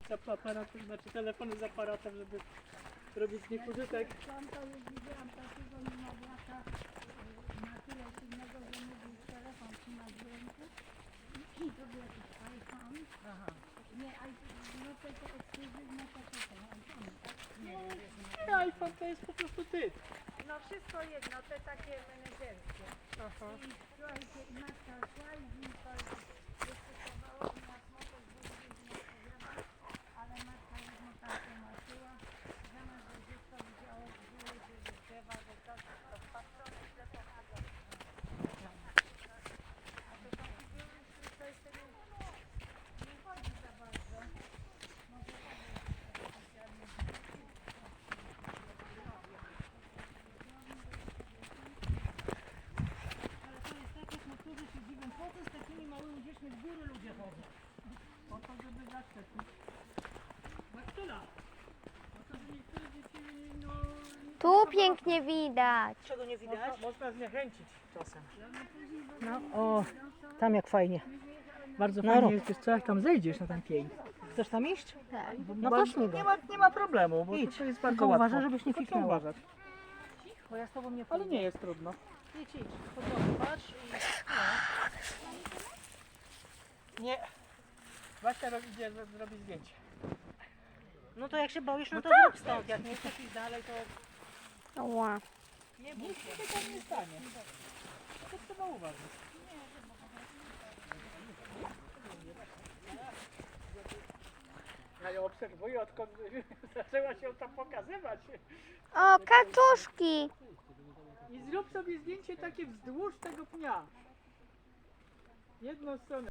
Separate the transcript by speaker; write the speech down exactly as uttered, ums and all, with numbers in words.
Speaker 1: za aparatem, znaczy telefony z aparatem, żeby robić z nich użytek.
Speaker 2: Tam to już widziałam takiego niemowlaka na tyle silnego, że mógł telefon trzymać w ręku. I to był jakiś iPhone.
Speaker 1: Aha.
Speaker 2: Nie, iPhone, no to jest ekskluzywne to co to, iPhone, tak?
Speaker 1: Nie, nie, iPhone to jest po prostu ty.
Speaker 2: No wszystko jedno, te takie menedżerskie.
Speaker 1: Aha.
Speaker 2: I słuchajcie, i matka szła i z nim to wystosowało mi na smotek, bo nie odpowiada, ale matka już mu tam tłumaczyła, zamiast, że dziecko widziało w góry, że z drzewa, że to, to wpatrzone w telefon, a to a to są figury, z których to jeszcze nie, nie chodzi za bardzo. Może to jest specjalnie.
Speaker 1: Ale to jest tak, jak niektórzy się dziwią, po co z takimi małymi dziećmi w góry ludzie chodzą? Po to, żeby zaszczepić baktyla. Po to, że niektóre dzieci, no...
Speaker 3: Tu pięknie widać.
Speaker 1: Czego nie widać? Można, można zniechęcić czasem. No, o, tam jak fajnie. Bardzo
Speaker 4: No
Speaker 1: fajnie
Speaker 4: rób.
Speaker 1: jest, co jak tam zejdziesz na ten pień. Chcesz tam iść?
Speaker 3: Tak.
Speaker 1: No
Speaker 4: Ba-
Speaker 1: to śmigaj. Nie ma, nie ma problemu, bo
Speaker 4: Idź.
Speaker 1: to jest bardzo
Speaker 4: Tylko
Speaker 1: łatwo.
Speaker 4: uważaj, żebyś nie
Speaker 1: Tylko
Speaker 4: kichnęła.
Speaker 1: uważać.
Speaker 4: Bo ja z tobą nie
Speaker 1: Ale
Speaker 4: pójdę.
Speaker 1: nie jest trudno.
Speaker 4: Idź, idź. Chodź, patrz i...
Speaker 1: Nie. Właśnie robi, idzie zro- zrobić zdjęcie.
Speaker 4: No to jak się boisz, no
Speaker 1: No
Speaker 4: to
Speaker 1: tak.
Speaker 4: zrób stąd. Jak nie chcesz iść dalej, to...
Speaker 3: Ła.
Speaker 4: Nie bój
Speaker 1: Nic
Speaker 4: się.
Speaker 1: się tam nie stanie. To trzeba uważać. Ja ją obserwuję, odkąd zaczęła się tam pokazywać.
Speaker 3: O, kaczuszki.
Speaker 1: I zrób sobie zdjęcie takie wzdłuż tego pnia. Jedną stronę.